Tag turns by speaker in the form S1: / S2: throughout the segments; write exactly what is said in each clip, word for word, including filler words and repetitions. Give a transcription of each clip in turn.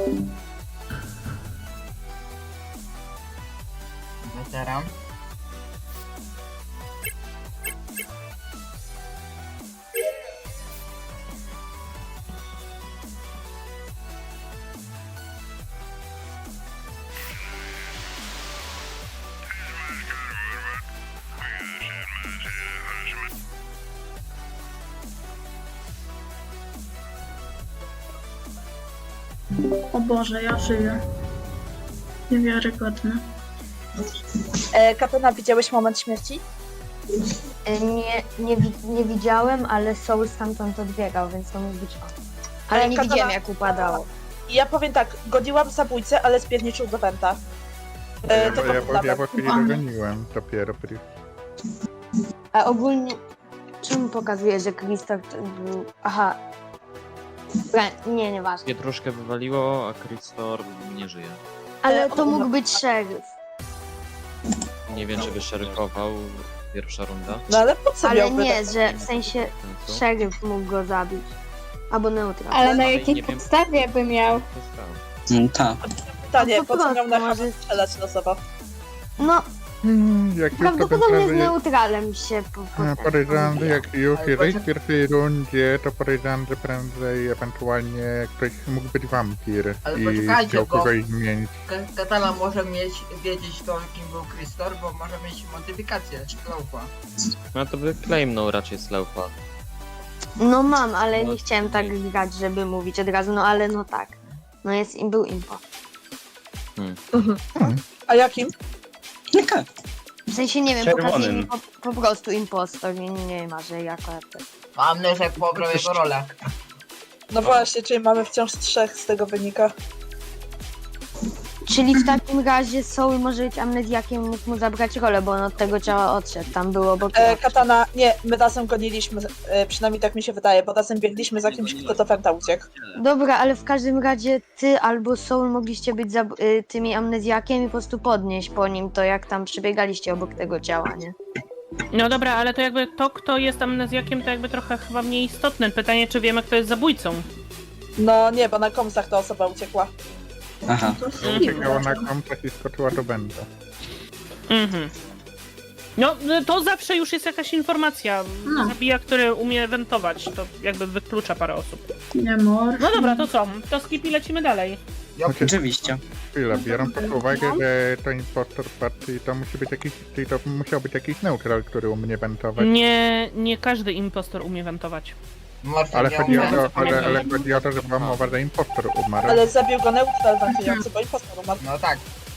S1: Weteran.
S2: O Boże, ja żyję. Niewiarygodne.
S3: E, Katana, widziałeś moment śmierci?
S4: E, Nie, nie, wi- nie widziałem, ale Soul stamtąd odbiegał, więc to mógł być on. Ale nie
S3: Katana-
S4: widziałem, jak upadało.
S3: I ja powiem tak, godziłam zabójcę, ale spierniczył do Wenta. E,
S5: Ja,
S3: tylko
S5: ja,
S3: dla
S5: ja, ja
S3: Wenta.
S5: po chwili dogoniłem dopiero. pri-
S4: A ogólnie, czemu pokazuje, że Krzysztof był... Aha. Dobra, nie, nieważne.
S6: Mnie troszkę wywaliło, a Krystor nie żyje.
S4: Ale
S3: E,
S4: to
S3: o-
S4: mógł być szeryf.
S6: Nie wiem, czy by szeryfował pierwsza runda.
S3: No ale po co
S4: Ale
S3: miałby
S4: nie,
S3: tak?
S4: że w sensie
S6: Co?
S4: szeryf mógł go zabić. Albo neutral.
S7: Ale na
S6: Ale
S7: jakiej
S6: nie wiem-
S7: podstawie by miał?
S6: To stał.
S8: Mm, tak.
S3: Pytanie,
S4: No po
S3: po co miał
S4: prostu,
S3: na
S4: może-
S3: strzelać losowo?
S4: No,
S5: Hmm, jak już to
S4: prawdopodobnie z
S5: naprawdę...
S4: neutralem się po, po,
S5: e, Podejrzewam, że jak już
S1: Ale
S5: jesteś
S1: poczek-
S5: w pierwszej rundzie, to podejrzewam, że prędzej ewentualnie ktoś mógł być wampir
S1: Ale
S5: i
S1: poczekajcie,
S5: chciał
S1: bo-
S5: kogoś zmienić.
S1: Ka- Katana może mieć, wiedzieć to, kim był Krystor, bo może mieć modyfikację Slowpa.
S6: No to by claimnął raczej Slowpa.
S4: No mam, ale
S6: No,
S4: nie chciałem tak grać, żeby mówić od razu, no ale no tak. No jest im był impo.
S3: A jakim?
S8: Jaka?
S4: W sensie nie wiem,
S8: Czerwonym.
S4: pokazuje mi po, po prostu impostor, nie, nie ma, że jako
S1: Mam Leszek pobrał jego rolę.
S3: No właśnie, czyli mamy wciąż trzech z tego wynika.
S4: Czyli w takim razie Soul może być amnezjakiem, mógł mu zabrać rolę, bo on od tego ciała odszedł, tam było obok.
S3: E, Katana, nie, my razem goniliśmy, e, przynajmniej tak mi się wydaje, bo razem biegliśmy za kimś, kto do Wenta uciekł.
S4: Dobra, ale w każdym razie ty albo Soul mogliście być zab- y, tymi amnezjakiem i po prostu podnieść po nim to, jak tam przebiegaliście obok tego ciała, nie?
S9: No dobra, ale to jakby to, kto jest amnezjakiem, to jakby trochę chyba mniej istotne. Pytanie, czy wiemy, kto jest zabójcą.
S3: No nie, bo na komsach ta osoba uciekła.
S8: Aha.
S2: To
S9: Mhm.
S5: Uciekała na kontakt i skoczyła do Benta.
S9: Mhm. No, to zawsze już jest jakaś informacja.
S2: No.
S9: Zabija, który umie wentować, to jakby wyklucza parę osób.
S2: Nie mor.
S9: No dobra, to co? To skip i lecimy dalej.
S8: Oczywiście.
S5: Chwila, biorąc pod uwagę, że to impostor party, to musi być jakiś, czyli to musiał być jakiś neutral, który umie wentować.
S9: Nie, nie każdy impostor umie wentować.
S1: Może
S5: Ale
S1: nie
S5: chodzi o
S1: umiem.
S5: to, ale, ale chodzi o to, że była mowa, że impostor umarł.
S3: Ale zabił go neutral wentujący, bo impostor umarł.
S1: No tak.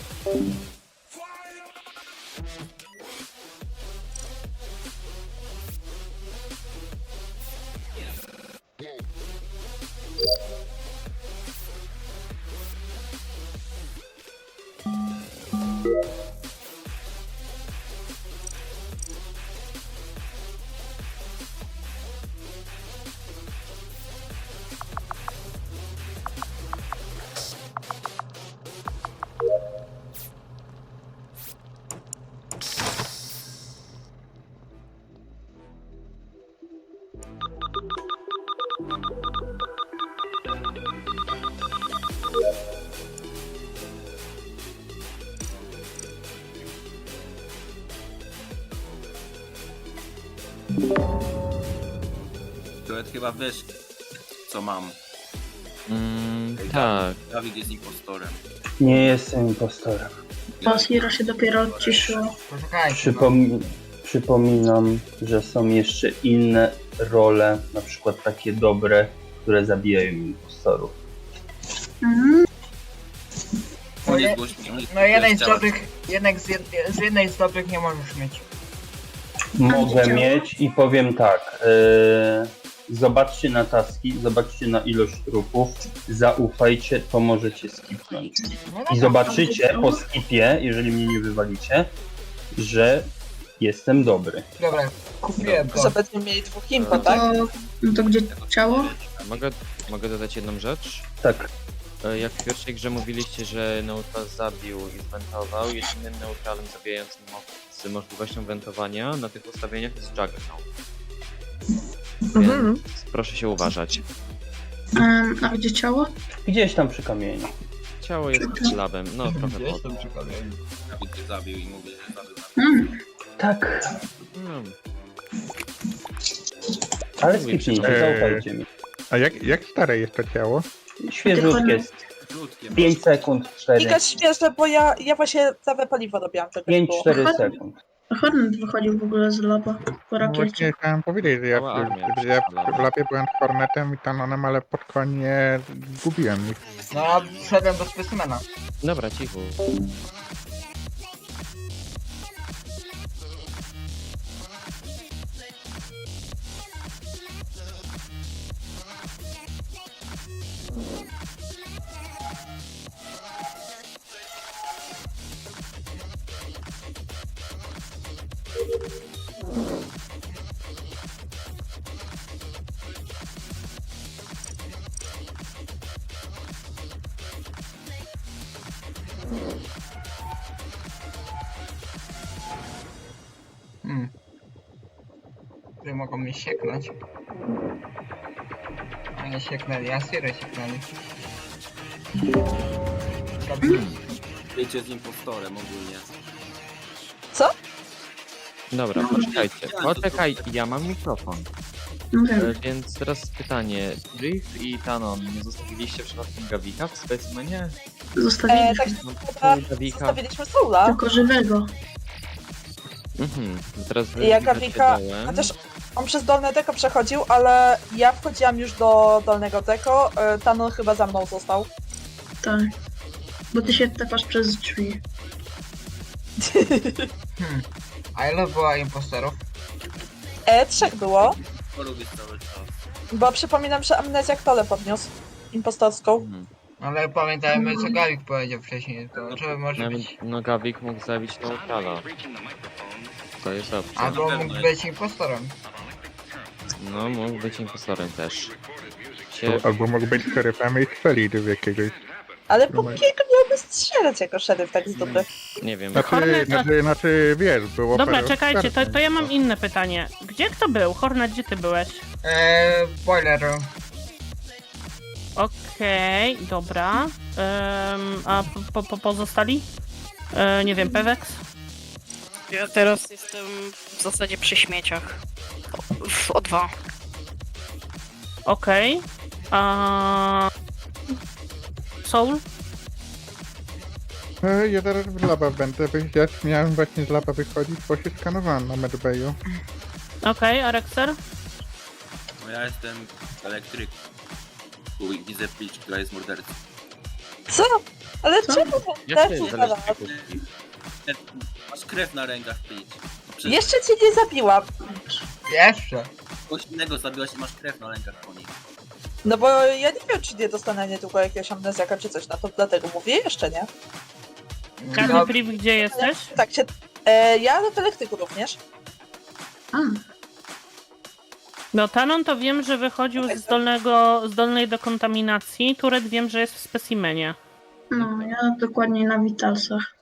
S10: Duet chyba wiesz, co mam.
S6: Mm, tak.
S10: Dawid jest impostorem.
S8: Nie jestem impostorem.
S2: Bo Hiro się dopiero odciszyło.
S1: Poczekajcie.
S8: Przypom przypominam, że są jeszcze inne role, na przykład takie dobre, które zabijają impostorów.
S2: Mhm.
S1: No,
S10: Nie
S1: je,
S10: zgłoś mi.
S1: no jeden z
S10: Chciałem.
S1: dobrych, jednak z, jed, z jednej z dobrych nie możesz mieć.
S8: Mogę
S2: działa?
S8: mieć i powiem tak. Yy, zobaczcie na taski, zobaczcie na ilość trupów, zaufajcie, to możecie skipnąć.
S1: No,
S8: I zobaczycie po skipie, jeżeli mnie nie wywalicie, że jestem dobry.
S1: Dobra, kupiłem to.
S3: Że będziemy mieli dwóch impo,
S2: No
S3: tak?
S2: to, no to gdzie ciało?
S6: Mogę, mogę dodać jedną rzecz?
S8: Tak.
S6: E, Jak w pierwszej grze mówiliście, że neutral zabił i zwentował, jedynym neutralem zabijającym mo- z możliwością wentowania na tych ustawieniach jest Juggernaut. Więc
S3: Mhm.
S6: proszę się uważać.
S2: Em, a gdzie ciało?
S8: Gdzieś tam przy kamieniu.
S6: Ciało jest pod labem, no trochę
S1: Gdzieś
S6: pod.
S1: tam przy kamieniu.
S10: Dawid cię zabił i mówię, że zabił.
S2: Mm.
S8: Tak,
S6: No.
S8: ale skipnijcie,
S5: Eee.
S8: zaufajcie mi.
S5: A jak, jak stare jest to ciało?
S8: Świeżutkie jest.
S10: Rzutkiem.
S8: pięć sekund, cztery.
S3: Giga świeże, bo ja, ja właśnie całe paliwo robiłam, żeby
S8: pięć
S3: było.
S8: cztery sekund.
S2: A Hornet wychodził w ogóle z laba po
S5: No
S2: rakiecie.
S5: właśnie chciałem powiedzieć, że ja,
S6: Cała armia
S5: że ja
S6: przyszła.
S5: w labie byłem z Hornetem i Tanonem, ale pod koniec zgubiłem ich.
S1: No ja wszedłem do specimena.
S6: Dobra, cicho.
S1: Hmm. Które mogą mnie sieknąć. A nie sieknęli, a Sirę sieknęli. Robi?
S10: Wiecie z impostorem ogólnie.
S6: Dobra, poczekajcie, poczekaj, ja mam mikrofon.
S2: No
S6: E,
S2: wiem.
S6: Więc teraz pytanie, Brief i Tanon, nie zostawiliście przypadkiem Gawika w specimenie?
S3: E,
S2: Zostawiliśmy.
S3: tak
S6: No,
S3: Dobra,
S6: Gawika.
S3: zostawiliśmy Soula.
S2: Tylko żywego.
S6: Mhm, teraz wy
S3: Ja
S6: wbiegacie
S3: Gawika,
S6: dołem.
S3: chociaż on przez dolne deko przechodził, ale ja wchodziłam już do dolnego deko, e, Tanon chyba za mną został.
S2: Tak. Bo ty się tepasz przez drzwi.
S1: Hmm. A ile było impostorów?
S3: E, trzech było,
S10: Polubię cały czas.
S3: bo przypominam, że Amnezjak tole podniósł. Impostorską.
S6: Mhm.
S1: Ale pamiętajmy co Gawik powiedział wcześniej, to że może
S6: Nawet,
S1: być...
S6: no Gawik mógł zabić neutrala. To jest opcja.
S1: Albo
S10: Na
S1: mógł
S10: pewno
S1: być impostorem.
S6: No, mógł być impostorem też. Się...
S5: Albo mógł być szeryfem i strzelić w jakiegoś.
S3: Ale po kiego miałby strzelać jako szeryf tak z dupy?
S6: Nie wiem.
S5: Znaczy,
S9: Hornet-
S5: znaczy, znaczy wiesz, było
S9: Dobra,
S5: parę
S9: czekajcie, to,
S5: oskarżeń,
S9: to ja mam inne pytanie. Gdzie kto był? Hornet, gdzie ty byłeś?
S1: Eee, boiler room.
S9: Okej, dobra. Em, a po, po, pozostali? E, nie wiem, Pewex?
S7: Ja teraz jestem w zasadzie przy śmieciach. O- W O dwa.
S9: Okej. A Soul?
S5: E, Ja zaraz w laba będę, wy- ja miałem właśnie z laba wychodzić, bo się skanowałem na medbayu.
S9: Okej, a Rexer?
S10: No ja jestem elektryk. I widzę Peach, która jest mordercą.
S3: Co? Ale
S2: Co?
S3: czemu
S6: Jak to
S3: też
S6: jest
S3: nie
S6: zależnie
S10: Masz krew na rękach, Peach. No przecież
S3: Jeszcze cię nie zabiłam.
S1: Jeszcze.
S10: kogoś innego zabiłaś i masz krew na rękach po nich.
S3: No bo ja nie wiem, czy nie dostanę niedługo jakiegoś amnezjaka czy coś na to, dlatego mówię jeszcze nie.
S9: Każdy
S1: No,
S9: priv, gdzie jesteś?
S3: Tak się... E, ja w elektryku również.
S2: A,
S9: No Tanon to wiem, że wychodził z dolnego, z dolnej dekontaminacji. Turet wiem, że jest w specimenie.
S2: no, ja dokładnie na Vitalsach.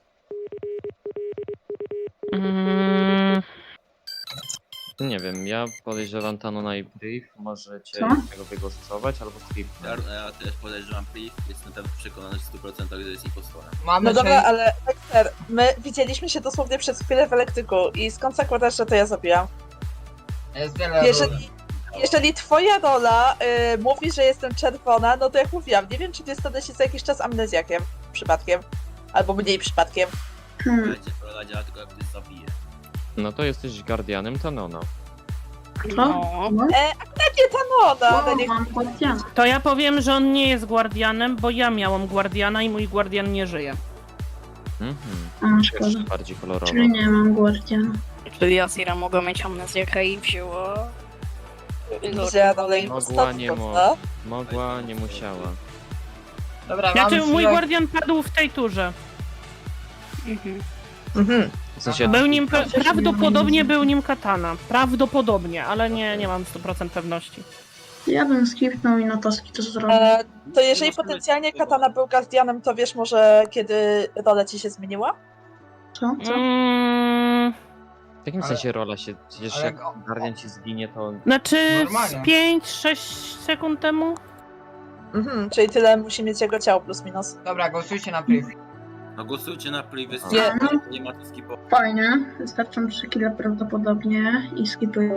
S9: Mm,
S6: Nie wiem, ja podejrzewam Tanona i Brief, możecie
S2: Co?
S6: tego wygłosować albo
S10: Ja,
S6: skipnąć.
S10: ja też podejrzewam Peach, jestem tam przekonany w stu procentach, że jest impostorem.
S1: Mamy
S3: No dobra,
S1: sześć-
S3: ale Dexter, my widzieliśmy się dosłownie przez chwilę w elektryku i skąd zakładasz, że to ja zabiłam?
S1: Jest wiele ról.
S3: Jeżeli, jeżeli twoja rola y, mówi, że jestem czerwona, no to jak mówiłam, nie wiem, czy nie stanę się za jakiś czas amnezjakiem przypadkiem. Albo mniej przypadkiem.
S2: Hmm.
S10: Wiecie, to działa tylko jak ktoś zabije.
S6: No to jesteś guardianem Tanona.
S2: Co?
S7: No.
S2: No,
S3: E, akurat nie ta noda, ale
S2: o,
S3: niech...
S2: mam guardiana.
S9: to ja powiem, że on nie jest guardianem, bo ja miałam guardiana i mój guardian nie żyje.
S6: Mhm.
S2: A, szkoda.
S6: Jeszcze bardziej kolorowo.
S2: Czyli nie mam guardiana.
S7: Czyli Asira mogła mieć amnezjakę i wzięła...
S3: Wzięła dalej
S6: Mogła, nie
S3: impostorką,
S6: mogła.
S3: co?
S6: Mogła, nie musiała.
S1: Dobra,
S9: Znaczy,
S1: mamy
S9: mój
S1: siłę-
S9: guardian padł w tej turze.
S7: Mhm.
S3: Mhm.
S6: W sensie,
S9: Był nim,
S2: Chociaż
S9: prawdopodobnie
S2: nie
S9: był nim katana. Prawdopodobnie, ale nie, nie mam sto procent pewności.
S2: Ja bym skipnął i na taski to zrobił.
S3: E, to jeżeli potencjalnie Katana był guardianem, to wiesz może kiedy rola ci się zmieniła?
S2: Co? Co?
S9: Mm,
S6: w jakim
S1: Ale-
S6: sensie rola się... Przecież
S1: ale-
S6: jak guardian ci zginie, to...
S9: znaczy
S1: Normalnie.
S9: z pięć sześć sekund temu?
S3: Mhm, czyli tyle musi mieć jego ciało plus minus.
S1: Dobra, głosujcie na priv.
S10: No głosujcie na play, wy
S3: Nie.
S10: nie ma co skipować.
S2: Fajnie. Wystarczą trzy kile prawdopodobnie i skipuję.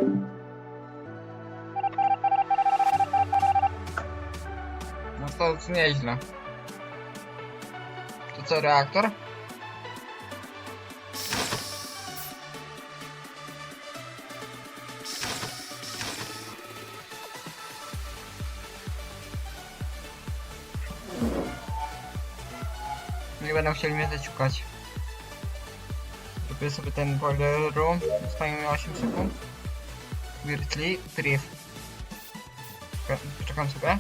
S1: No to nieźle. To co, reaktor? Nie będą chcieli mnie zaciukać. Robię sobie ten boiler room. Zostanie mi osiem sekund. Weirdly, priv. Poczekam sobie.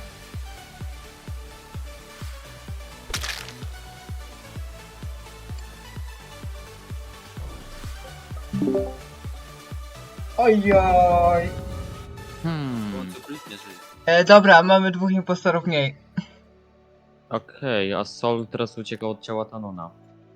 S1: Ojoj.
S6: Hmm.
S10: Bo co kliknie, że...
S1: E, dobra, mamy dwóch impostorów mniej.
S6: Okej, a Sol teraz uciekał od ciała Tanona.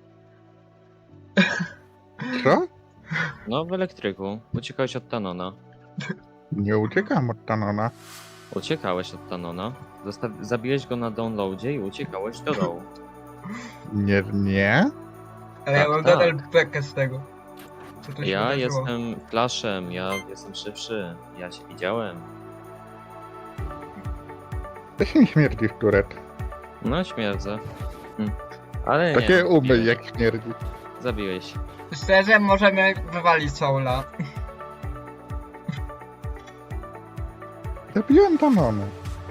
S5: Co?
S6: No, w elektryku. Uciekałeś od Tanona.
S5: Nie uciekam od Tanona.
S6: Uciekałeś od Tanona. Zostaw... Zabiłeś go na downloadzie i uciekałeś do dołu.
S5: Nie, nie?
S1: Ale ja
S6: Tak,
S1: mam
S6: tak.
S1: nadal bekę z tego. Co tu się
S6: Ja
S1: wydarzyło.
S6: jestem Flashem, ja jestem szybszy. Ja cię widziałem.
S5: To się nie śmierdzi w turet.
S6: No, śmierdzę. Hm. Ale nie.
S5: Takie umy
S6: zabiłeś.
S5: jak śmierdzi.
S6: Zabiłeś.
S1: Szczerze, możemy wywalić Soula.
S5: Zabiłem Tanona.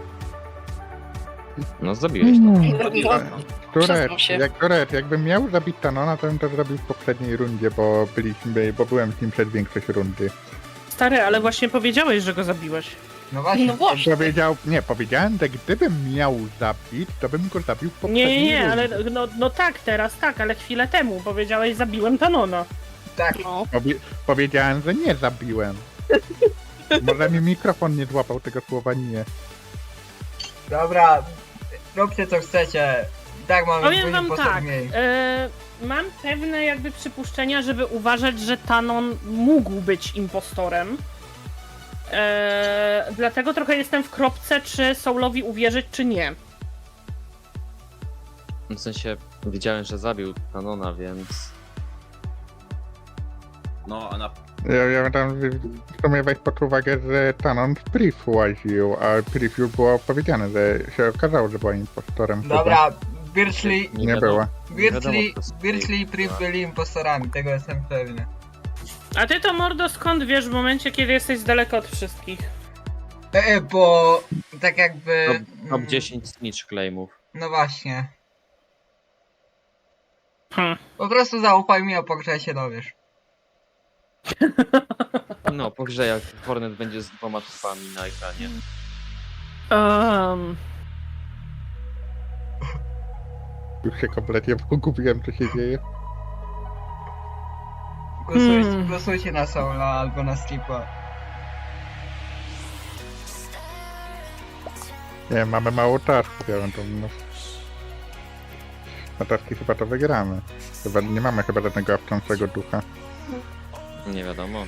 S6: No, zabiłeś.
S5: No.
S7: Przyznam
S5: Turet,
S7: się.
S5: jak Turet, jakbym miał zabić Tanona, to bym to zrobił w poprzedniej rundzie, bo byliśmy, bo byłem z nim przez większość rundy.
S9: Stary, ale właśnie powiedziałeś, że go zabiłeś.
S1: No właśnie.
S7: No właśnie.
S5: Powiedział, nie, powiedziałem, że gdybym miał zabić, to bym go zabił w
S9: Nie,
S5: poprzedniej
S9: nie, nie,
S5: rundzie.
S9: ale no, no tak, teraz tak, ale chwilę temu powiedziałeś, zabiłem Tanona.
S1: Tak.
S7: No.
S5: Powie powiedziałem, że nie zabiłem. Może mi mikrofon nie złapał tego słowa nie.
S1: Dobra, róbcie co chcecie. I tak mamy
S9: Powiem
S1: dwóch
S9: wam
S1: impostorów
S9: tak,
S1: mniej.
S9: e, mam pewne jakby przypuszczenia, żeby uważać, że Tanon mógł być impostorem. E, dlatego trochę jestem w kropce, czy Soulowi uwierzyć, czy nie.
S6: W sensie, widziałem, że zabił Tanona, więc...
S10: No, a na...
S5: Ja, ja tam w sumie weź pod uwagę, że Tanon w priv łaził, a priv już było powiedziane, że się okazało, że była impostorem.
S1: Dobra, Birchley,
S5: Nie
S6: wiadomo-
S5: była.
S6: nie wiadomo,
S1: Birchley,
S6: kto jest
S1: Birchley i Priv
S6: była.
S1: byli impostorami, tego jestem pewny.
S9: A ty to, Mordo, skąd wiesz w momencie, kiedy jesteś z daleka od wszystkich?
S1: E, e, bo tak jakby...
S6: Top, top
S1: mm,
S6: dziesięć snitch claimów.
S1: No właśnie.
S9: Hm.
S1: Po prostu zaufaj mi, a po grze się dowiesz.
S6: No, po grze jak Hornet będzie z dwoma trupami na ekranie.
S9: Um,
S5: Już się kompletnie pogubiłem, co się dzieje.
S1: Głosujcie,
S9: Hmm.
S1: głosujcie na Soula albo na Skipa.
S5: Nie, mamy mało tasków, ja bym to... No, na taski chyba to wygramy. Chyba nie mamy chyba żadnego awczącego ducha.
S6: Nie wiadomo.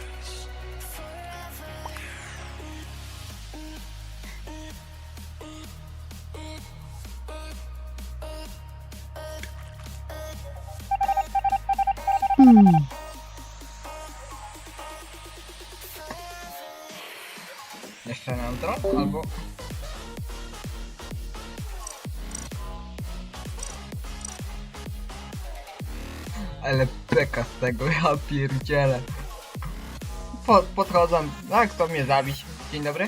S1: Jeszcze neutral? Albo... Ale beka z tego, ja pierdzielę. Po, podchodzą, tak, kto mnie zabić? Dzień dobry.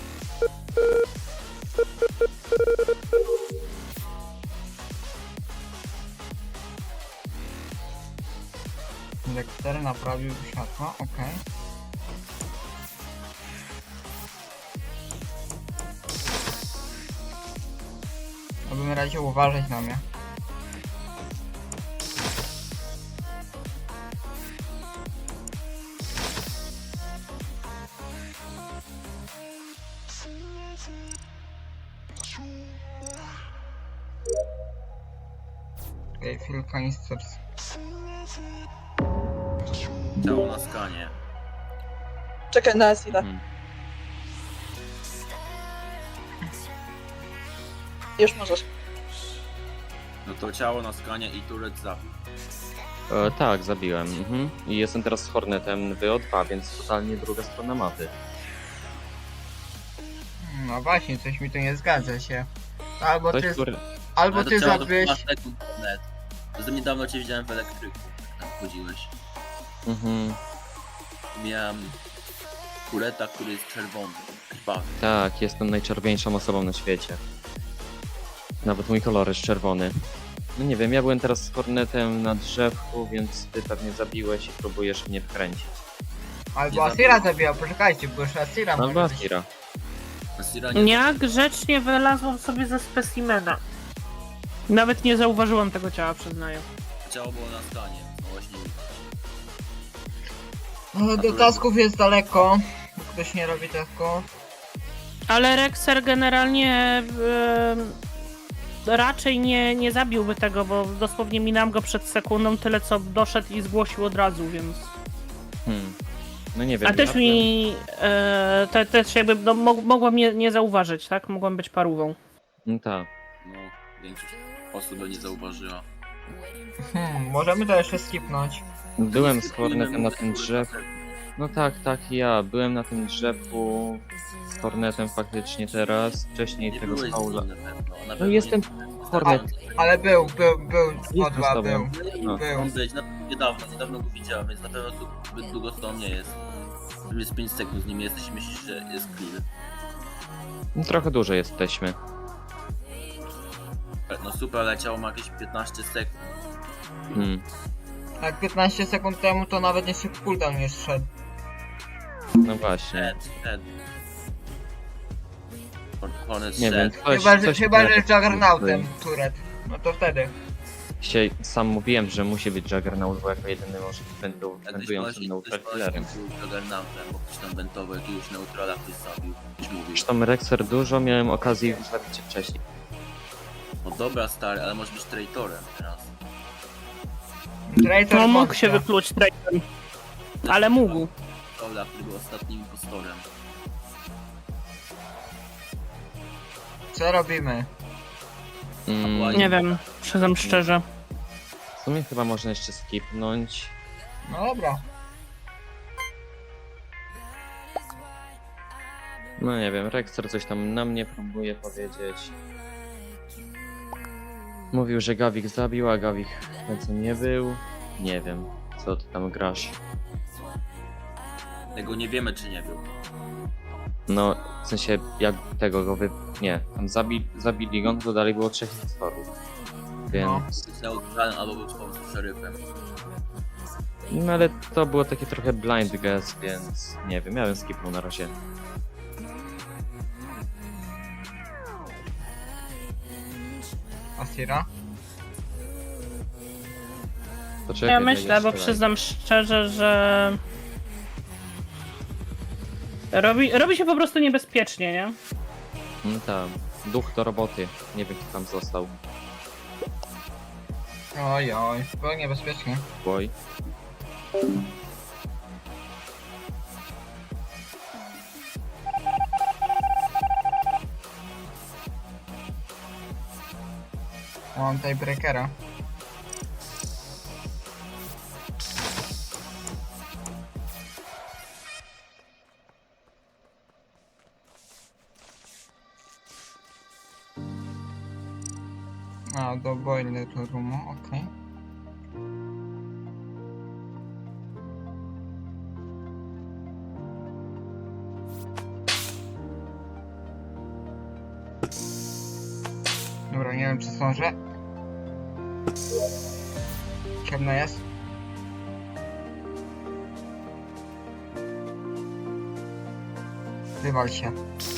S1: Dexter naprawił światło, okej. Ja bym radził uważać na mnie. Okay, fill canisters.
S10: Ciało na skanie.
S3: Czekaj na chwilę.
S6: Mhm.
S3: Już możesz.
S10: No to ciało na skanie i turet zabił.
S6: E, tak, zabiłem. Mhm. I jestem teraz z Hornetem w O dwa, więc totalnie druga strona mapy.
S1: No właśnie, coś mi tu nie zgadza się. Albo
S6: Ktoś,
S1: ty,
S6: który...
S1: albo
S10: Ale to
S1: ty
S10: ciało do
S1: zabiłeś...
S10: piętnastu sekund net. Zresztą niedawno cię widziałem w elektryku, jak tam chodziłeś.
S6: Mhm.
S10: Miałem kureta, który jest czerwony, krwawy.
S6: Tak, jestem najczerwieńszą osobą na świecie. Nawet mój kolor jest czerwony. No nie wiem, ja byłem teraz z Hornetem na drzewku, więc ty pewnie zabiłeś i próbujesz mnie wkręcić.
S1: Albo
S10: Nie
S1: Asira
S10: zabiłem.
S1: zabiła, poczekajcie, bo już Asira
S6: Albo
S1: może być.
S6: Asira.
S10: Asira nie
S9: Ja grzecznie wylazłam sobie ze specimena. Nawet nie zauważyłam tego ciała, przyznaję.
S10: ciało było na stanie. No właśnie.
S1: No, do tasków jest daleko. Ktoś nie robi tasków.
S9: Ale Rexer generalnie e, raczej nie, nie zabiłby tego, bo dosłownie minąłem go przed sekundą, tyle co doszedł i zgłosił od razu, więc...
S6: Hmm. No nie wiem.
S9: A też
S6: ja
S9: mi... E, te, też jakby no, mog, mogłam nie, nie zauważyć, tak? Mogłam być parówą.
S6: No tak.
S10: No, większość osób by nie zauważyła.
S1: Hmm, możemy to jeszcze skipnąć.
S6: Byłem z Hornetem na tym drzewku. No tak, tak, ja. Byłem na tym drzewku z Hornetem faktycznie teraz. Wcześniej
S10: Nie
S6: tego
S10: byłeś z
S6: Paula.
S10: nim na pewno. Na
S6: No
S10: pewno
S6: jestem
S10: nie-
S6: Hornet.
S1: Ale był, był, był,
S6: Jestem
S1: o dwa
S6: z tobą.
S1: był.
S6: No.
S1: Był.
S10: On być, no, niedawno, niedawno go widziałem, więc na pewno tu zbyt długo z tobą nie jest. Tu jest pięć sekund z nim jesteś i myślisz, że jest clear.
S6: No, trochę dłużej jesteśmy.
S10: No super, ale ciało ma jakieś piętnaście sekund.
S6: Hmm.
S1: Jak piętnaście sekund temu to nawet nie się cooldown nie szedł.
S6: No właśnie.
S10: Ed, Ed. Hornet
S6: Nie wiem,
S10: szedł.
S6: coś,
S1: Chyba, że,
S6: coś
S1: chyba, że
S6: mnie
S1: z Juggernautem,
S6: tak-
S1: Turet. No to wtedy.
S6: Dzisiaj sam mówiłem, że musi być Juggernaut, bo jako jedyny może być wędru-
S10: Jakbyś
S6: wędrującym
S10: ktoś
S6: neutral-killerem.
S10: był Juggernautem, bo ktoś tam wentował jakiegoś neutrala, ktoś zabił, ktoś mówił.
S6: Zresztą Rexer dużo miałem okazji zabić cię wcześniej.
S10: No dobra stary, ale może być traitorem teraz.
S1: Traitor
S9: No mógł
S1: Monster.
S9: się wypluć traitor. Ale mógł.
S10: Paula, który był ostatnim impostorem.
S1: Co robimy?
S6: Mm,
S9: Nie wiem, przyznam szczerze.
S6: w sumie chyba można jeszcze skipnąć.
S1: No dobra.
S6: No nie wiem, Rexer coś tam na mnie próbuje powiedzieć. Mówił, że Gawik zabił, a Gawik w końcu nie był. Nie wiem, co ty tam grasz.
S10: Tego nie wiemy czy nie był.
S6: No, w sensie, jak tego go wy... Nie, tam zabi... zabili go, no to dalej było trzech impostorów. Więc...
S10: Był neutralem albo był po prostu szeryfem.
S6: No ale to było takie trochę blind guess, więc nie wiem, ja bym skipnął na razie.
S1: Asira?
S6: Poczekaj,
S9: Ja
S6: daj
S9: myślę, bo
S6: jeszcze
S9: przyznam szczerze, że... Robi, robi się po prostu niebezpiecznie, nie?
S6: No tam, duch do roboty. Nie wiem, kto tam został.
S1: Oj, oj, było niebezpiecznie.
S6: Boj.
S1: Mam tiebreakera. A, do boiler roomu, okej. Dobra, nie wiem czy zdążę. Ciemno jest. Wywal się.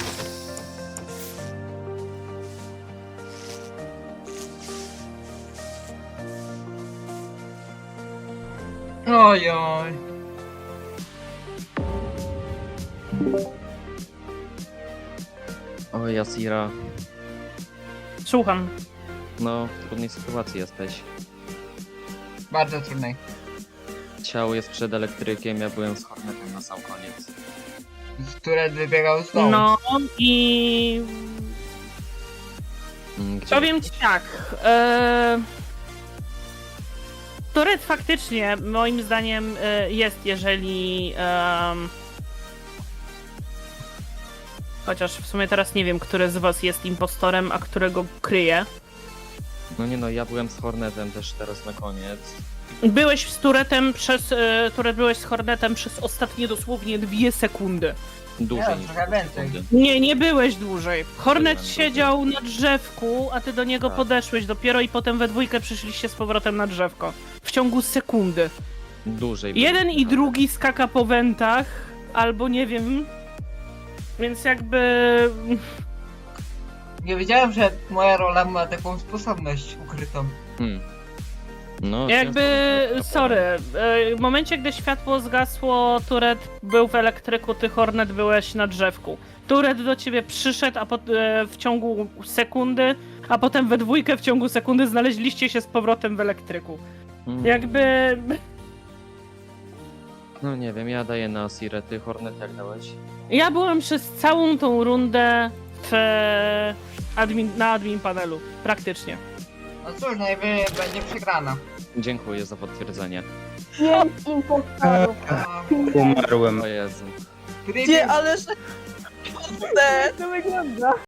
S1: Oj, oj.
S6: Oj, Asira.
S9: Słucham.
S6: No, w trudnej sytuacji jesteś.
S1: Bardzo trudnej.
S6: Ciało jest przed elektrykiem, ja byłem z Hornetem na sam koniec.
S1: Turet wybiegał z dołu.
S9: No i...
S6: Mm, Gdzie
S9: Powiem ci tak. E... Turet faktycznie, moim zdaniem, e, jest, jeżeli. em, Chociaż w sumie teraz nie wiem, który z was jest impostorem, a którego kryje.
S6: No nie no, ja byłem z Hornetem też teraz na koniec.
S9: Byłeś z Turetem przez. E, Turet byłeś z Hornetem przez ostatnie dosłownie dwie sekundy.
S6: Dłużej
S1: Nie,
S6: niż
S1: trochę
S6: dwie
S1: więcej.
S6: sekundy.
S9: Nie, nie byłeś dłużej. Hornet
S6: Byłem
S9: siedział na drzewku, a ty do niego
S6: Tak.
S9: podeszłeś dopiero i potem we dwójkę przyszliście z powrotem na drzewko. W ciągu sekundy.
S6: Dłużej.
S9: Jeden
S6: byłem.
S9: i drugi skaka po wentach, albo nie wiem. Więc jakby.
S1: Nie wiedziałem, że moja rola ma taką sposobność ukrytą.
S6: Hmm. No,
S9: Jakby.
S6: ciężko
S9: Sorry. e, W momencie, gdy światło zgasło, Turet był w elektryku, ty Hornet byłeś na drzewku. Turet do ciebie przyszedł, a pot, e, w ciągu sekundy, a potem we dwójkę w ciągu sekundy znaleźliście się z powrotem w elektryku.
S6: Hmm.
S9: Jakby.
S6: No nie wiem, ja daję na Sirę, ty Hornet jak dałeś?
S9: Ja byłem przez całą tą rundę w admin, na admin panelu, praktycznie.
S1: No cóż, najwyżej będzie przegrana.
S6: Dziękuję za potwierdzenie.
S4: Pięć impostorów.
S1: A,
S8: Umarłem.
S6: O Jezu.
S1: Preview-
S3: Nie, ale że... To wygląda.